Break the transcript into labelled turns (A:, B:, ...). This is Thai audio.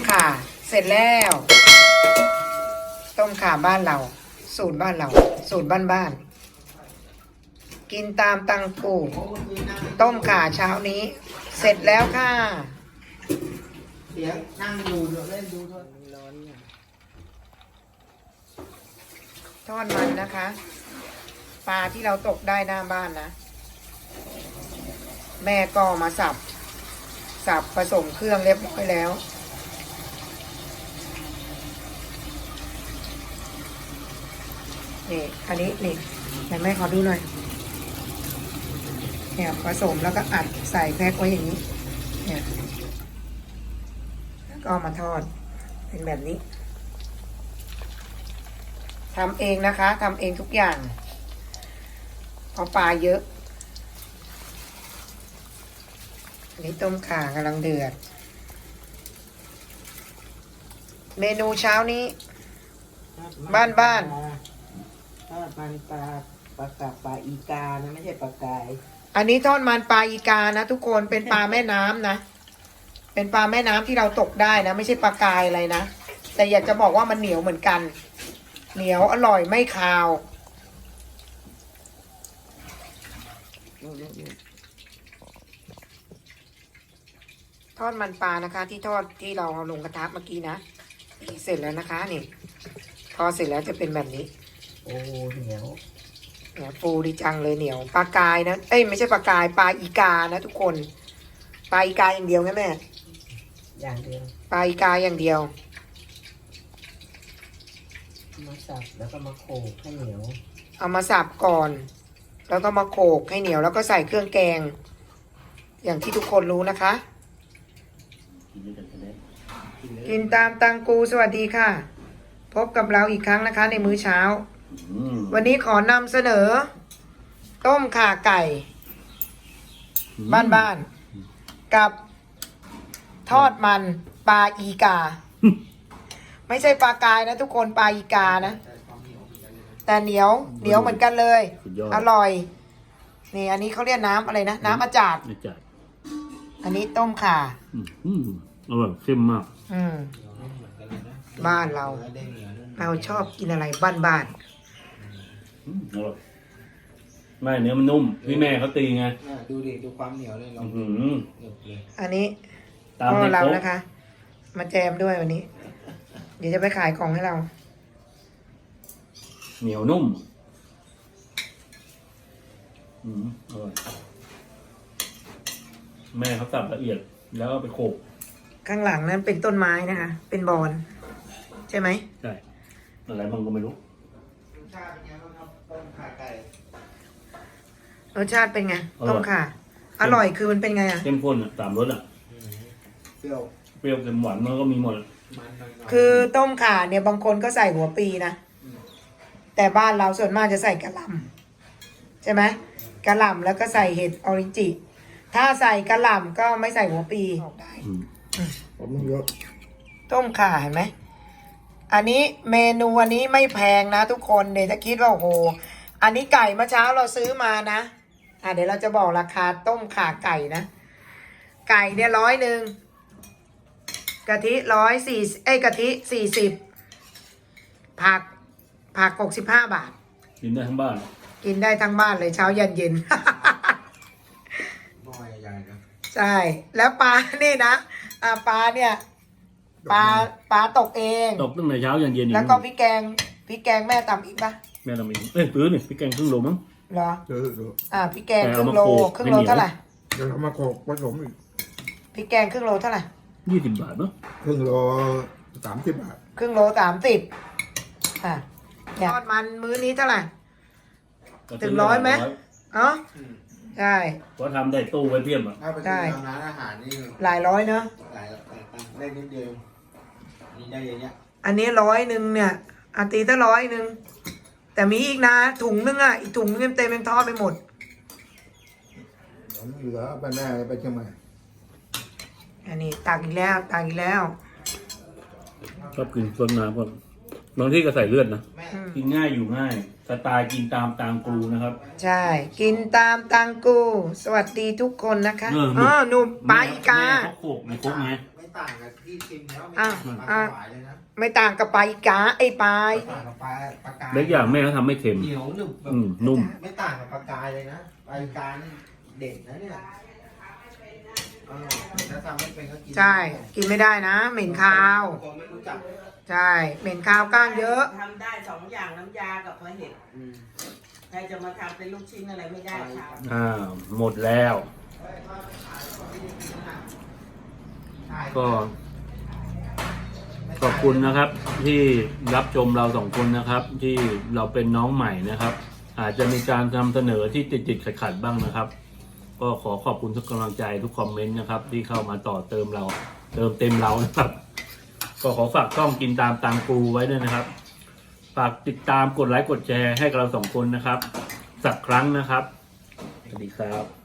A: ข่าเสร็จแล้วต้มข่าบ้านเราสูตรบ้านเราสูตรบ้านๆกินตามตังกูต้มข่าเช้านี้เสร็จแล้วค่ะ
B: เดี๋ยวนั่งดูเล่นดูด้วยร้อนเนี่ย
A: ทอดมันนะคะปลาที่เราตกได้หน้าบ้านนะแม่ก็มาสับผสมเครื่องเรียบร้อยแล้วนี่อันนี้นี่ไหนแม่ขอดูหน่อยเนี่ยผสมแล้วก็อัดใส่แพ็คไว้อย่างนี้เนี่ยแล้วก็เอามาทอดเป็นแบบนี้ทำเองนะคะทำเองทุกอย่างเพราะปลาเยอะอันนี้ต้มข่ากำลังเดือดเมนูเช้านี้บ้าน
B: ทอดมันปลากับปลาอีกานะไม่ใช่ปลากาย
A: อันนี้ทอดมันปลาอีกานะทุกคนเป็นปลาแม่น้ำนะเป็นปลาแม่น้ำที่เราตกได้นะไม่ใช่ปลากายอะไรนะแต่อยากจะบอกว่ามันเหนียวเหมือนกันเหนียวอร่อยไม่คาวทอดมันปลานะคะที่ทอดที่เราเอาลงกระทะเมื่อกี้นะนี่เสร็จแล้วนะคะนี่ทอดเสร็จแล้วจะเป็นแบบนี้
B: โอ้เหนียว
A: เนี่ยฟูดีจังเลยเหนียวปลากายนะเอ้ยไม่ใช่ปลากายปลาอีกานะทุกคนปลาอีกาอย่างเดียวนะแม่
B: อย่างเดียว
A: ปลาอีกาอย่างเดียว
B: มาสับแล้วก็มาโขลกให้เหนียว
A: เอามาสับก่อน แล้วก็มาโขลกให้เหนียวแล้วก็ใส่เครื่องแกง อย่างที่ทุกคนรู้นะคะ กินตามตังกูสวัสดีค่ะ พบกับเราอีกครั้งนะคะในมื้อเช้า วันนี้ขอนำเสนอ ต้มข่าไก่ บ้านๆกับทอดมันปลาอีกา ไม่ใช่ปลากายนะทุกคนปลาอีกานะ แต่เหนียวเหมือนกันเลย อร่อยนี่อันนี้เขาเรียกน้ำอะไรนะน้ำอาจารย์อันนี้ต้มข่า
C: อร่อยเข้มมาก
A: บ้านเราชอบกินอะไรบ้าน
C: อร่อยไม่เนื้อมันนุ่มพี่แม่เขาตีไง
B: ดูดิดูความเหนียวเลยลอง
A: อันนี้พ่อเรานะคะ มาแจมด้วยวันนี้ เดี๋ยวจะไปขายของให้เรา
C: เหนียวนุ่มอร่อยแม่เขาสับละเอียดแล้วไปโขลก
A: ข้างหลังนั้นเป็นต้นไม้นะคะเป็นบอนใช่ไหม
C: ใช่อะไรมันก็ไม่รู้
B: รสชาติเป็นไงบ้างครับต้มข่าไก่
A: รสชาติเป็นไงต้มข่าอร่อยคือมันเป็นไงอ่ะ
C: เข้มข้นสามรส
B: เปรี้ยว
C: เปรี้ยวเค็มหวานมันก็มีหมด
A: คือต้มข่าเนี่ยบางคนก็ใส่หัวปีนะแต่บ้านเราส่วนมากจะใส่กะหล่ำใช่ไหมกะหล่ำแล้วก็ใส่เห็ดออริจิถ้าใส่กะหล่ำก็ไม่ใส่หัวปีได้ต้มข่าเห็นไหมอันนี้เมนูอันนี้ไม่แพงนะทุกคนเดี๋ยวจะคิดว่าโอ้โหอันนี้ไก่เมื่อเช้าเราซื้อมานะเดี๋ยวเราจะบอกราคาต้มข่าไก่นะไก่เนี่ย100กะทิ140กะทิ40ผัก65 บาท
C: กินได้ทั้งบ้าน
A: กินได้ทั้งบ้านเลยเช้าเย็นเย็น
B: หม้อใหญ่ๆนะ
A: ใช่แล้วปลานี่นะปลาเนี่ยปลาตกเอง
C: ตกตั้งแต่เช้ายันเย็น
A: แล้วก็พริกแกงแม่ตำอีกปะ
C: แม่ทำเองซื้อนี่พริกแกงครึ่งโลมั้ง
A: เหรอพริกแกงครึ่งโลเท่าไหร่
D: เดี๋ยวเอามาโขลกผสมอีก
A: พริกแกงครึ่งโลเท่าไหร่
C: 20 บาทเนาะ
D: ครึ่งโล30 บาท
A: ครึ่งโล30ทอดมันมื้อนี้เท่าไหร่ถึง100ไหมใช่
C: เพราะทำได้ตู้ไว้เพียบอ่ะ
B: ใช่ร้านอาหารนี่
A: หลายร้อยเนอะ
B: หลายได้นิดเดียวนี่ได้เยอะแยะ
A: อันนี้100เนี่ยตีถ้า100แต่มีอีกนะถุงนึงอีกถุงนึงเต็มยังทอดไปหมด
D: เหลือไปแม่ไปเชียงใหม่
A: อันนี้ตักอีกแล้ว
C: ชอบกินซดน้ำก่อนบางที่ก็ใส่เลือดนะกินง่ายอยู่ง่ายสไตล์กินตามตังกูนะครับ
A: ใช่กินตามตังกูสวัสดีทุกคนนะคะหนุ่มปลาอีกา
C: เขาโขกในครกไง
B: ไม่
E: ต่างกับที่ชิมแล้วไม่
A: อ่ะ
E: ต่างกับป
A: อ่ะ
E: ลาสวายเลยนะ
A: ไม่ต่างกับปลาอีกาไอ้ปลา
E: ไม่ต่างกับปลากาย
C: เล็กอย่างแม่เขาทำไม่เค็ม
E: เหนียวหนึบแบบ
C: นุ่ม
E: ไม่ต่างกับปลากายเลยนะปลากายนี่เด็ดนะเนี่ยถ้าทำไม่เป็นก็กิน
A: ใช่ กินไม่ได้นะ เหม็นคาว
E: คนไม่รู้จัก
A: ใช่ เหม็นคาวก้างเยอะ
B: ทำได้สองอย่างน้ำยากับปลาเห็ดใครจะมาทำเป็นลูกชิ้นอะไรไม่ได้ค่ะ
C: หมดแล้ว ก็ขอบคุณนะครับ ที่รับชมเราสองคนนะครับ ที่เราเป็นน้องใหม่นะครับ อาจจะมีการนำเสนอที่ติดขัดบ้างนะครับ ก็ขอขอบคุณทุกกำลังใจทุกคอมเมนต์นะครับ ที่เข้ามาต่อเติมเรา เติมเต็มเรานะครับ ก็ขอฝากช่องกินตามตังกูไว้ด้วยนะครับ ฝากติดตามกดไลค์กดแชร์ให้กับเราสองคนนะครับ สักครั้งนะครับ สวัสดีครับ